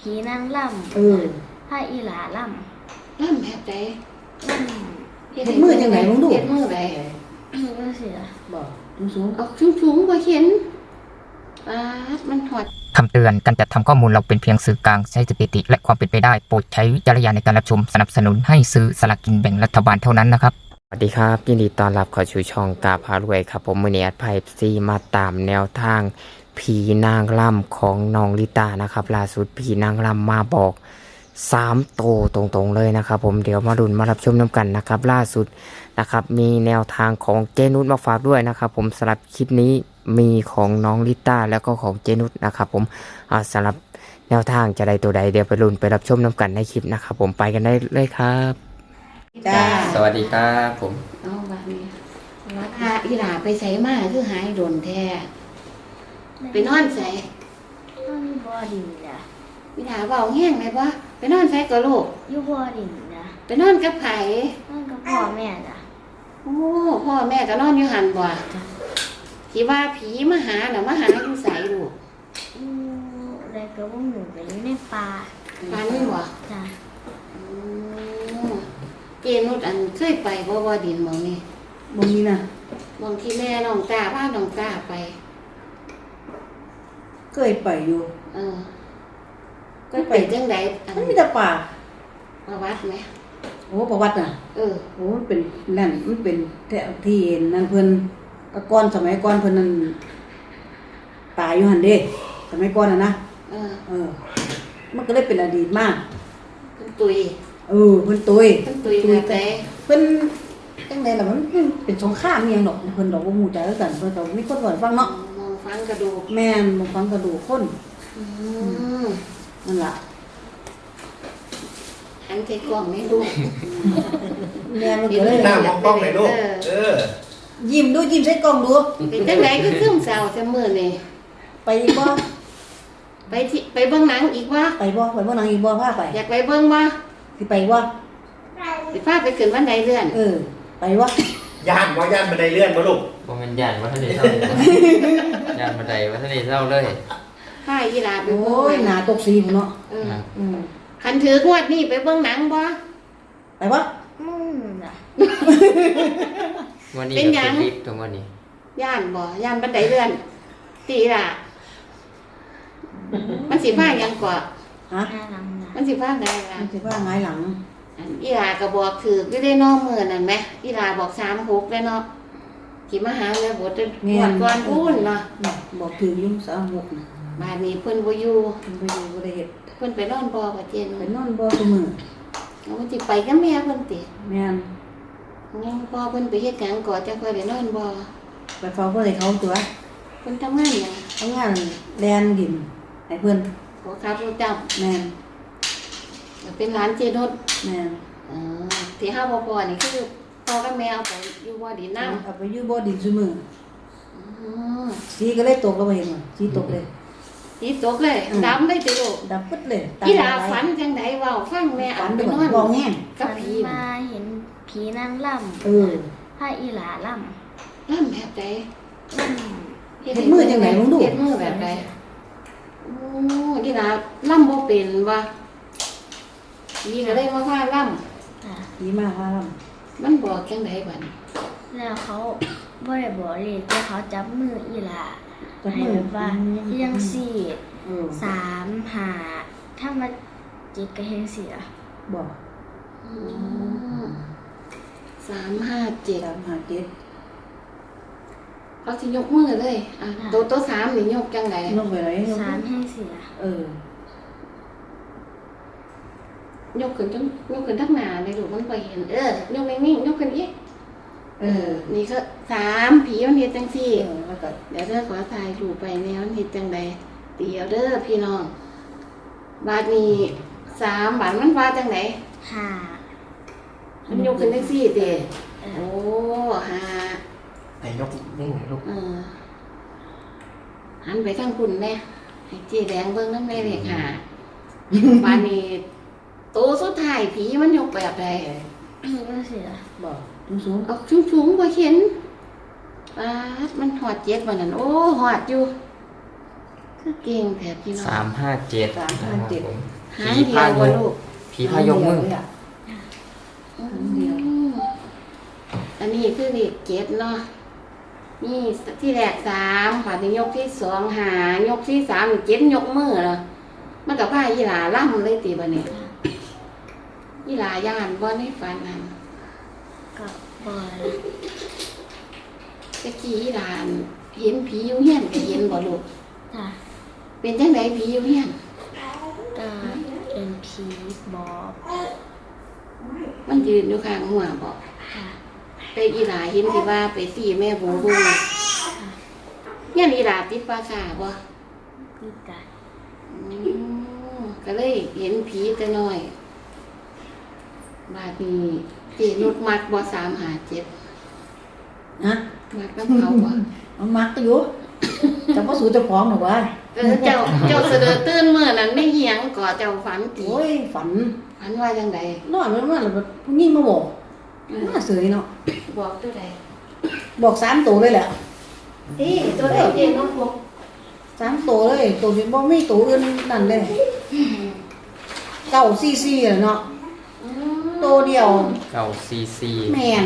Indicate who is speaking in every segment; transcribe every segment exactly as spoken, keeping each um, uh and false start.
Speaker 1: ผีนางล่ำเออผ้าอีหลาล่ำ
Speaker 2: ล่ำแบบใด
Speaker 1: ล่
Speaker 3: ำเฮ็ดมือจังได๋มึงดู
Speaker 2: เฮ็ดมือใด
Speaker 1: ก็เสีย
Speaker 3: บ่สูง
Speaker 2: ๆออกสูงๆบ่เห็นปาดมันถอด
Speaker 4: คำเตือนการจัดทำข้อมูลเราเป็นเพียงสื่อกลางใช้สถิติและความเป็นไปได้โปรดใช้วิจารณญาณในการรับชมสนับสนุนให้ซื้อสลากกินแบ่งรัฐบาลเท่านั้นนะครับสวัสดีครับยินดีต้อนรับเข้าสู่ช่องกาพารวยครับผมมือเนียดไพ่ซีมาตามแนวทางผีนางรำของน้องลิตานะครับล่าสุดผีนางรำมาบอกสามโตตรงๆเลยนะครับผมเดี๋ยวมาดุนมารับชมน้ำกันนะครับล่าสุดนะครับมีแนวทางของเจนุชมาฝากด้วยนะครับผมสำหรับคลิปนี้มีของน้องลิต้าแล้วก็ของเจนุชนะครับผมสำหรับแนวทางจะได้ตัวใดเดี๋ยวไปลุ้นไปรับชมน้ำกันในคลิปนะครับผมไปกันได้เลยครับ
Speaker 2: จ้า
Speaker 4: สวัสดีครับผม
Speaker 2: เอาแบบนี้วัดอาอีหลาไปใส่มาคือหายโดนแท้ไปนอนใส่
Speaker 1: นอนบ่อดินจ้ะ
Speaker 2: อีหลาเบาแห้งไหมวะไปนอนใส่กับลูก
Speaker 1: อยู่บ่อดินจ้ะ
Speaker 2: ไปนอนกับไผ
Speaker 1: นอนกับพ่อแม่จ้ะ
Speaker 2: โอ้พ่อแม่ก็นอนอยู่หันบ่ที่ว่าผีมาหาน่ะมาหาอยู่ไสลูก
Speaker 1: อือแล้วก็บ่หนูไปอยู่ในป่า
Speaker 2: ปานนี้บ่
Speaker 1: จ้ะ
Speaker 2: อือเจนุชอันเคยไปบ่บ่ดินหม่องนี้
Speaker 3: บ่มีน่ะ
Speaker 2: หม่องที่แม่น้องตาพาน้องตาไป
Speaker 3: เคยไปอยู่
Speaker 2: เออก็ไปจังได๋
Speaker 3: มันมีแต่ป่า
Speaker 2: ประวัติไหม
Speaker 3: โอ้ประวัติน่ะ
Speaker 2: เออ
Speaker 3: โอ้มันเป็นนั่นมันเป็นแถวที่นั่นเพิ่นก็ก่อนสมัยก่อนเพิ่นนั่นตายอยู่หั่นเด้สมัยก่อนน่ะนะ
Speaker 2: เออ
Speaker 3: เออมันก็เลยเป็นอดีตมาก
Speaker 2: เพิ่นตุย
Speaker 3: เออเพิ่นตุย
Speaker 2: เพิ่นตุยแบบใด
Speaker 3: เพิ่นจังได๋ล่ะมันเป็นสงครามอีหยังดอกเพิ่นดอกบ่ฮู้จักกันเพิ่นก็มีคนเว้าฟังเนาะ
Speaker 2: มองฟังกระดูก
Speaker 3: แม่นมองฟังกระดูกคน
Speaker 2: อืม
Speaker 3: นั่นล่ะ
Speaker 2: หันใส่กล้องให้ดู
Speaker 3: แม่มันก็เลย
Speaker 5: หน้ามองกล้องหน่อยลูกเออ
Speaker 3: ยิ้มดูยิ้มใส่กล้องดู
Speaker 2: เป็นจังได๋คือซึมเศร้าแต่มื้อนี้
Speaker 3: ไปอีกบ่
Speaker 2: ไปที่ไปเบิ่งหนังอีกบ่
Speaker 3: ไปบ่ไปเบิ่งหนังอีกบ่พาไป
Speaker 2: อยากไปเบิ่งบ่
Speaker 3: สิไปบ่
Speaker 2: สิพาไปขึ้นบันไดเลื่อน
Speaker 3: เออไปบ่
Speaker 5: ย่านบ่ย่านบันไดเลื่อนบ่ลูก
Speaker 4: บ่แม่นย่านว่าทะเลเศร้าย่านบันไดว่าทะเลเศร้าเลย
Speaker 2: พาอีหลาไป
Speaker 3: โอ้ยหน้าตกสีพุ่นเนาะ
Speaker 2: เอออืมคันถืองวดนี้ไปเบิ่งหนังบ่
Speaker 3: ไปบ่
Speaker 1: มึงน่ะ
Speaker 4: วันนี้เป็นหยังตรงวันนี้
Speaker 2: ย่านบ่ย่านบันไดเลื่อนตีล่ะมันสิพาหยังก่อ
Speaker 3: ฮะ
Speaker 2: มันสิพาไงล่ะ
Speaker 3: มันสิพาหงายหลัง
Speaker 2: อีหลาก็บอกถืออยู่ได้น้องมื้อนั่นแหมอีหลาบอกสามหกได้เนาะสิมาหาแล้วบ่ได้งวดก่อนพูนเนาะ
Speaker 3: บอกถืออยู่สามหกน่ะ
Speaker 2: บ้านนี้เพิ่นบ่อยู่
Speaker 3: เพิ่นบ่อยู่บ่ได้เฮ็ด
Speaker 2: เพิ่นไปนอนบ่กับเจน
Speaker 3: ไปนอนบ่ซุมื้อ
Speaker 2: เอามันสิไปกับแม่เพิ่นติ
Speaker 3: แม่น
Speaker 2: ยังพอเพิ่นไปเฮ็ดหยังก่อจังค่อยได้นอนบ่
Speaker 3: ไปเฝ้าเพิ่นให้เขาตัว
Speaker 2: เพิ่นทำงานหยัง
Speaker 3: ทำงานแลนดินให้เพิ่น
Speaker 2: บ่ครับรู้จัก
Speaker 3: แม่น
Speaker 2: เป็นร้านเจนุช
Speaker 3: แม่น
Speaker 2: เออที่เฮาบ่พอนี่คือพ่อกับแม่เอาไปอยู่บ่ดินนำ
Speaker 3: เอาไปอยู่บ่ดินซุมื้อ
Speaker 2: อือ
Speaker 3: สีก็เลยตกแล้วบ่เห็นบ่สีตกเลย
Speaker 2: สีตกเลยดำได้ติลูก
Speaker 3: ดำปึ๊ดเลย
Speaker 2: อีหลาฝันจังได๋เว้าฟังแม่อ่านไปนอน
Speaker 3: บ่แห้ง
Speaker 1: กับผีมาเห็นผีนางล่ำ
Speaker 3: เออ
Speaker 1: ผ้าอีหลาล่
Speaker 2: ำล่ำแบบใด
Speaker 1: ล่
Speaker 3: ำเฮ็ดมือจังได๋มึงดู
Speaker 2: เฮ็ดมือแบบใดโอ้อีหลาล่ำบ่เป็นว่าผีก็เลยมาพาล่ำ
Speaker 1: ค่ะ
Speaker 3: ผีมาพาล่
Speaker 2: ำมันบอกจังได๋บัด
Speaker 1: แล้วเขาบ่ได้บอกเลยแต่เขาจับมืออีหลาให้แบบว่ายังสี่สามห้าถ้ามาจิตก็เฮ็ดสิล่ะ
Speaker 3: บอก
Speaker 2: สามห้าเจ็ด
Speaker 3: สามห้าเจ็ด
Speaker 2: เขาสิยกมือเลยอ่ะโตโตสามนี่ยกจังได๋
Speaker 3: ยกไปไหน
Speaker 1: สามให้เสีย
Speaker 3: เออ
Speaker 2: ยกขึ้นจังยกขึ้นทักหน้าเลยลูกมันบ่เห็นเออยกนิ่งๆยกขึ้นอีกเออนี่ก็สามผีมันเฮ็ดจังซี่เออแล้วก็เดี๋ยวเด้อขอถ่ายรูปไปแนวมันเฮ็ดจังได๋เดี๋ยวเด้อพี่น้องบาดนี้สามบาดมันว่าจังได๋
Speaker 1: ห้า
Speaker 2: มันยกขึ้นจังซี่ติโอ้ห้า
Speaker 5: ไหนยกนิ่งๆลูก
Speaker 2: เออหันไปทางคุณแน่ให้เจ๊แดงเบิ่งนำได้เลขห้าบาดนี้โตสุดท้ายผีมันยกแบบใด
Speaker 1: ก็เสีย
Speaker 3: บอกสูง
Speaker 2: ๆออกสูงๆบ่เห็นปาดมันหอดเจ็ดบ่นั่นโอ้หอดอยู่
Speaker 1: คื
Speaker 2: คือเก่งแถบพี่น้อง
Speaker 4: สามห้าเจ็ด
Speaker 3: สามห้าเจ็ด
Speaker 2: หางเดียวบ่ลูก
Speaker 4: ผีพายกมือ
Speaker 3: เลยะ เดียว
Speaker 2: อืมอันนี้คือเลขเจ็ดเนาะนี่ที่แรกสามค่ะที่ยกที่สองหายกที่สามเจ็ดยกมือเหรอมันกับผ้ายีหลาล่ำเลยตีบะเนี่ยยีหลาย่านบ่ในฝันนั่น
Speaker 1: ก็บอย
Speaker 2: ตะกี้ยีหลานเห็นผีอยู่เฮียนก็เห็นบ่ลูก
Speaker 1: จ้ะ
Speaker 2: เป็นจังไดผีอยู่เฮียน
Speaker 1: ก็เป็นผีบอก
Speaker 2: มันยืนอยู่ข้างหัวบ่
Speaker 1: ค่ะ
Speaker 2: ไปอีหลาเห็นที่ว่าไปสี่แม่โบบุญเฮียนอีหลาติดปราสาทบ่
Speaker 1: คือกัน
Speaker 2: อืมก็เลยเห็นผีแต่น้อย บาดนี้เจนุดมักบ่สามหาเจ็ด
Speaker 3: นะ
Speaker 2: มักน้ำเขาบ่
Speaker 3: มันมักก็อยู่จะมาสู่เจ้าของหรอวะ
Speaker 2: เออเจ้าเจ้าเสดอตื่นเมื่อนั้นไม่เหียงก่อเจ้าฝันตี
Speaker 3: โอ้ยฝัน
Speaker 2: ฝันว่าจังใด
Speaker 3: นอนมันมาแล้วแบบผู้หญิงมาบอก
Speaker 2: เออ
Speaker 3: มาเสยเนาะ
Speaker 2: บอกตัวใด
Speaker 3: บอกสามตัวเลยแหละ
Speaker 2: นี่ตัวใดเจนุดบอก
Speaker 3: สามตัวเลยตัวที่บ่มีตัวอื่นนั่นเลยเก้าซีซีอะเนาะ
Speaker 2: อืม
Speaker 3: ตัวเดียว
Speaker 4: เก้าซีซี
Speaker 3: แมน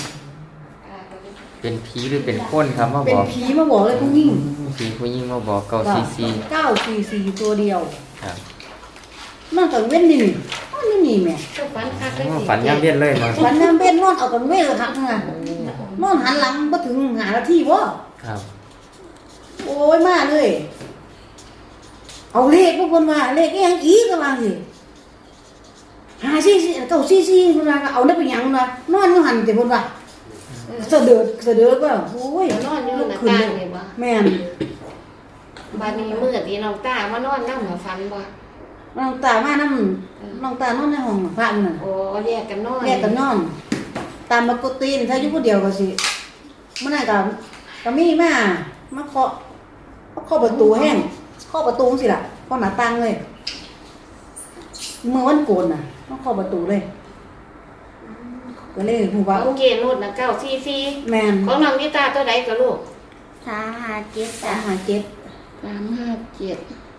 Speaker 4: เป็นผีหรือเป็นคนครับมา
Speaker 3: เป็
Speaker 4: บ
Speaker 3: น
Speaker 4: อก
Speaker 3: ผีมาบอกเลยผู้หญิง
Speaker 4: ผีผู้หญิงมาบอกเก้าซีซี
Speaker 3: เก้าซีซีตัวเดียว
Speaker 4: ครับ
Speaker 3: มันก็เว้นนี่นี่มันนี่นี่แม่
Speaker 2: เจ้าฝันคักเลย
Speaker 4: อ๋อ
Speaker 2: สิ
Speaker 4: ฝันย่ำเย็นเลยมา
Speaker 3: ฝันน้ำเบ็ดนอนเอากันเว้นละทักนะนอนหันหลังมาถึงหานาทีบ่
Speaker 4: ครับ
Speaker 3: โอ้ยมาเลย เอาเลขพวกคนมาเลขอีหยังอีกก็ว่าสิหาซีซีเก้าซีซีคนว่าก็เอาได้เป็นหยังคนว่านอนอยู่หันแต่คนว่าเสะเดือดเสะเดือดว่าโอ้ย
Speaker 2: เดี๋ยวนอนอยู่หน้า
Speaker 3: ขึ้น
Speaker 2: ต่าง
Speaker 3: เล
Speaker 2: เลย ยบ่
Speaker 3: แม่น
Speaker 2: บาดนี้มื้อที่น้องตามานอนนำหัวฝันบ่
Speaker 3: น้องตามาน้ำน้องตานอนในห้องพระมันน่ะ
Speaker 2: โอ้แยกกันนอน
Speaker 3: แยกกันนอน ตามปกติถ้าอยู่คนเดียวก็สิเมื่อไหร่ก็ก็มีมามาเคาะมาเคาะประตูแห้งเคาะประตูสิล่ะเคาะหน้าต่างเลยเมื่อวันโกนน่ะมาเคาะประตูเลย ก็เลยหูว่า
Speaker 2: โอเคนุดนะเก้าซีซี
Speaker 3: แมน
Speaker 2: ของน้องนิตาตัวใดก็ลูก
Speaker 1: สามหาเจ็ด
Speaker 3: สา
Speaker 1: จ้ะ
Speaker 3: หาเจ็ด
Speaker 2: สามห้าเจ็ด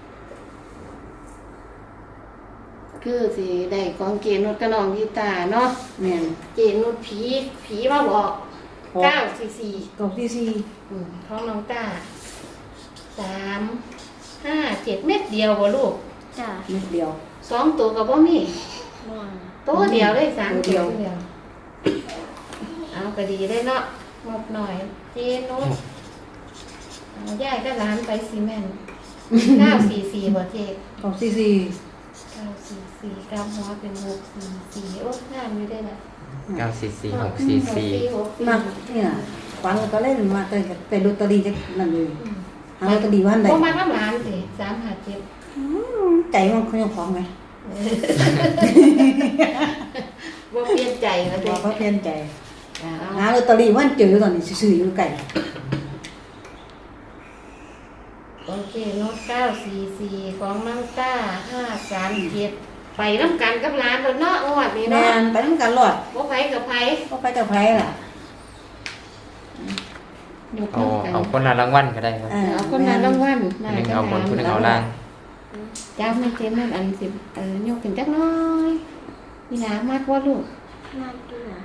Speaker 2: คือสิได้ของเกนุดกับน้องนิตาเนาะ
Speaker 3: แมน
Speaker 2: เกนุดผีผีมาบอกเก้าซีซี
Speaker 3: เก้าซีซี
Speaker 2: อืมของน้องตาสามห้าเจ็ดเม็ดเดียวบ่ลูก
Speaker 1: จ้ะ
Speaker 3: นิดเดียว
Speaker 2: สองตัวกับบ่มี
Speaker 1: นอน
Speaker 2: ตัวเดียวเลยสาม
Speaker 3: ตัวเดียว
Speaker 2: ตัวเดียวเอาก็ดีได้เนาะงบหน่อยเจนุดเอาย่ายก็ร้านไปซีเมนต์เก้าสี่สี่บ่เจ
Speaker 3: เก้าซีซี
Speaker 2: เก้าสี่สี่กำหัวเป็นหกสี่สี่โอ้งามอยู่ได้ละ
Speaker 4: เก้าซีซีหกซีซี
Speaker 2: หกสี่
Speaker 3: มาเนี่ยฟันก็เล่นมาแต่แต่ลอตเตอรี่จะนั่นเลยหาลอตเตอรี่วันใด
Speaker 2: พอมาน้ำร้านสิสามหาเจ็ด
Speaker 3: อืมใจมันเขายังของไหม
Speaker 2: ว่าเปลี่ยนใจแล้ว
Speaker 3: บ
Speaker 2: เด็
Speaker 3: อก
Speaker 2: ก
Speaker 3: เขาเพี้ยนใจ
Speaker 2: เอา
Speaker 3: หาลอตเตอรี่วันเจอตอนนี้ซื้ออยู่ไก่
Speaker 2: โอเคโน้ตเก้าสี่สี่ของน้ำต้าห้าสามเจ็ดไปน้ำกันกับร้านตัวเนาะงวดนี้
Speaker 3: แม
Speaker 2: เนาะ
Speaker 3: นไปน้ำกันหลอด
Speaker 2: บ่ไผกับไผ
Speaker 3: ก็ไปกับไผล่ะ
Speaker 2: ยก
Speaker 4: เอา
Speaker 2: มือกัน
Speaker 4: เอาคนละรางวัลก็ได้ครับ
Speaker 2: เอาคนนั้นรางวัล
Speaker 4: อันหนึงเอาบนคนหนึงเอาล่าง
Speaker 2: จ้าไม่เต็มนั่นอันสิเออยกขึ้นจักหน้อยนี่นะมากว่าลูก
Speaker 1: มากด้วยนะ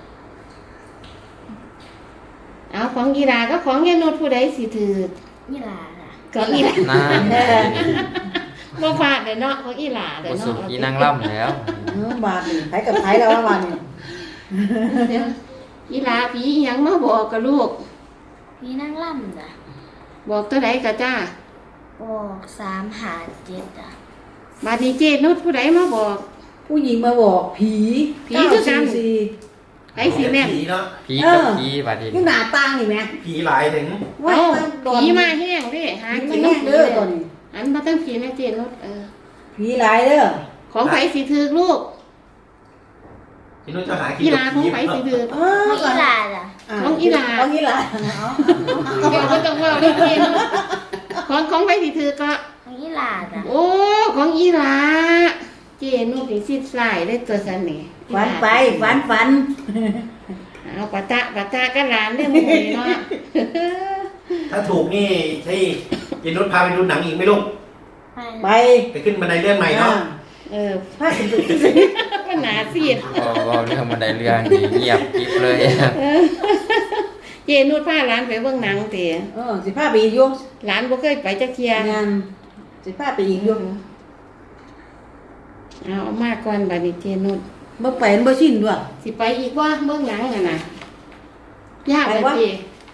Speaker 2: เอาของกีฬาก็ของยายนุชผู้ใดสิถือ
Speaker 1: นี่ล่ะจ้ะ
Speaker 2: ของอีหลา
Speaker 4: น่า
Speaker 2: บ่พลาดเลยเนาะของอีหลาเลย
Speaker 4: โอสุ
Speaker 2: เนาะ
Speaker 4: อีนางล่ำแล้ว
Speaker 3: เออบาทนี่ไผกับไผแล้วว่าบาทนี่
Speaker 2: เดี๋ยวอีหลาผีอิหยังมาบอกกับลูก
Speaker 1: พี่นั่งล่ำจ้ะ
Speaker 2: บอกตัวใดก็จ้า
Speaker 1: บอกสามหาเจ็ดจ้ะ
Speaker 2: บาดนี้เจนุชผู้ใดมาบอก
Speaker 3: ผู้หญิงมาบอกผี
Speaker 2: ผีคือกัน
Speaker 3: เาซีซี
Speaker 2: ไผสิแม่น
Speaker 5: ผีเนาะ
Speaker 4: ผีกับผีบัดนี้
Speaker 3: อยู่หน้าต่างนี่แม่
Speaker 5: ผีหลายถึง
Speaker 3: ว่า
Speaker 2: เอ้า
Speaker 3: ตอน
Speaker 2: ผีมาแห้งเด้หา
Speaker 3: ผี
Speaker 2: กิน
Speaker 3: มา
Speaker 2: น้ำ
Speaker 3: แห้ง
Speaker 2: ผี
Speaker 3: เด้อ
Speaker 2: เลย
Speaker 3: ตอนนี้
Speaker 2: อันมาตั้งผีนะเจนุชเออ
Speaker 3: ผีหลายเด้อ
Speaker 2: ของไผสิถือลูก
Speaker 5: พี่นุ้ยจะหากิน
Speaker 2: อีหลาของไผสิถือ
Speaker 3: เอ
Speaker 1: น้
Speaker 3: อ
Speaker 1: องอีหลาจ้ะ
Speaker 2: ของอีหลา
Speaker 3: ของอีหลาเอา
Speaker 2: เดี๋ยวก็ต้องเว่าเรื่องเจนุชของของไผสิถือก็
Speaker 1: น้องอีหลาจ้ะ
Speaker 2: โอ้ของอีหลาเจนุชนี่สิสายได้ตัวสันนี่
Speaker 3: ฝันไปฝันฝัน
Speaker 2: เอาปะตะปะตะกันหลานได้หมู่นี่เนาะ
Speaker 5: ถ้าถูกนี่ใช่ยายนุชพาไปดูหนังอีกไหมลูก
Speaker 1: ไป
Speaker 3: ไป
Speaker 5: ไปขึ้นบันไดเลื่อนใหม่เนาะ
Speaker 2: เออ
Speaker 3: พาขึ้นไป
Speaker 2: มันหนาซีด
Speaker 4: พอเว่าเรื่องบันไดเลื่อนนี่เงียบกริบเลย
Speaker 2: เออเจนุชพาหลานไปเบิ่งหนังเตะ
Speaker 3: เออสิพาไปอีกอยู่
Speaker 2: หลานบ่เคยไปจักเที่ย
Speaker 3: งานสิพาไปอีกอยู่
Speaker 2: เอามาก่อนบัดนี้เจนุช
Speaker 3: บ่ไปมันบ่ชินด้วย
Speaker 2: สิไปอีกว่าเบิ่งหนังน่ะนะยาก
Speaker 3: ไป
Speaker 2: เลย
Speaker 3: วะ
Speaker 2: เจ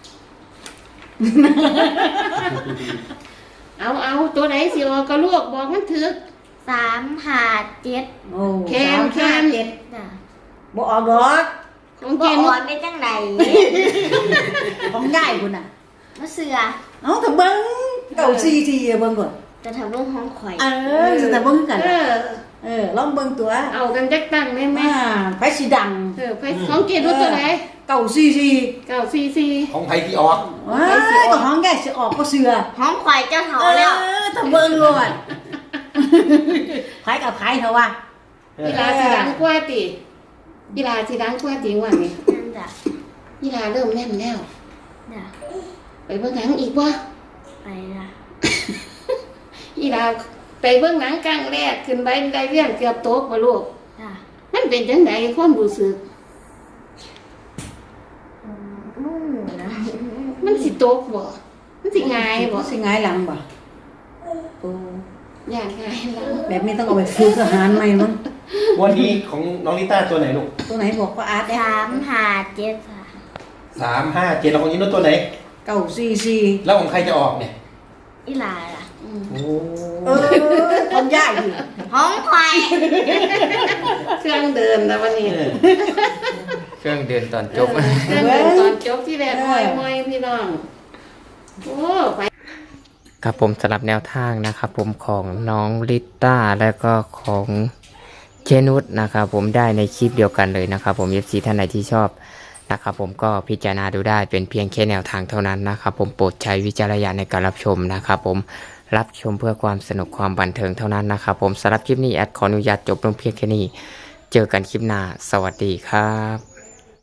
Speaker 2: เอาเอาตัวไหนสิออกก็ลวกบอกมันถึก
Speaker 1: สามหาเจ็ด
Speaker 3: โอ้
Speaker 2: แคนแคน
Speaker 3: เจ็ด
Speaker 1: จ้ะ
Speaker 3: บ่ออกดอก
Speaker 2: ของ
Speaker 1: บ่
Speaker 2: เจ
Speaker 1: อ
Speaker 2: นุ
Speaker 1: อ
Speaker 2: ช
Speaker 1: นได้จังได
Speaker 3: ของง่ายพุ่นน่ะ
Speaker 1: มาเสือ
Speaker 3: เอ้าถ้าเบิ่งเก้าสี่สี่เบิ่งก่อน
Speaker 1: จะทำเรื่องห้องข่อย
Speaker 3: เออสิแต่เบิ่งกัน
Speaker 2: เออ
Speaker 3: เออลองเบิ่งตัว
Speaker 2: เอากันจักตั้งได้ไหม
Speaker 3: มาไปสิดัง
Speaker 2: เออไปของเจนุชตัวไหน
Speaker 3: เก้าสี่สี่
Speaker 2: เก้าสี่สี่
Speaker 5: ของไผที่ออก
Speaker 3: ว้ายก็ห้องใหญ่สิออกก็เสือ
Speaker 1: ห้องข่อยเจ้าเถา
Speaker 3: เอ
Speaker 1: แล้ว
Speaker 3: อถ้าเบิ่งโลดไผกับไผเถอะว่า
Speaker 2: อีลาสิดังกว่าติอีลาสิดังกว่าติว่านี่
Speaker 1: นั่นจ้ะ
Speaker 2: อีลาเริ่มแน่นแล้ว
Speaker 1: จ้ะ
Speaker 2: ไปเบิ่งหนังอีกว่า
Speaker 1: ไปละ
Speaker 2: อีลาไปเบิ่งหนังกลางแรกขึ้นไปได้เรียนเกือบโต๊ะบ่ลูก
Speaker 1: จ้ะ
Speaker 2: มันเป็นจังไดความรู้สึก
Speaker 1: อืมนู่นนะ
Speaker 2: มันสิโต๊ะบ่มันสิง่ายบ่
Speaker 3: สิง่ายหลังบ่โอ้
Speaker 2: อย่างง่ายแล้ว
Speaker 3: แบบนี้ต้องเอาไปฝึกทหารใหม่มั้ง
Speaker 5: วันนี้ของน้องลิต้าตัวไหนลูก
Speaker 3: ตัวไหนบอกว่าอาร์ต
Speaker 1: สามหาเจ็ดค่ะ
Speaker 5: สามห้าเจ็ดแล้วของยายนุชตัวไหน
Speaker 3: เก้าสี่สี่
Speaker 5: แล้วของใครจะออกเนี่ย
Speaker 1: อีหลาล่ะ
Speaker 2: อืม
Speaker 5: โอ้
Speaker 3: เออคนยากดิ
Speaker 1: ห้องข่อย
Speaker 2: เครื่องเดินแล้ววันนี้
Speaker 5: เออ
Speaker 4: เครื่องเดินตอนจบ
Speaker 2: เครื่องเดินตอนจบที่แรกมอยมอยพี่น้องโอ้ไป
Speaker 4: ครับผมสำหรับแนวทางนะครับผมของน้องลิต้าแล้วก็ของเจนุสนะครับผมได้ในคลิปเดียวกันเลยนะครับผม เอฟ ซี ท่านไหนที่ชอบนะครับผมก็พิจารณาดูได้เป็นเพียงแค่แนวทางเท่านั้นนะครับผมโปรดใช้วิจารณญาณในการรับชมนะครับผมรับชมเพื่อความสนุกความบันเทิงเท่านั้นนะครับผมสำหรับคลิปนี้แอดขออนุญาตจบลงเพียงแค่นี้เจอกันคลิปหน้าสวัสดีครับ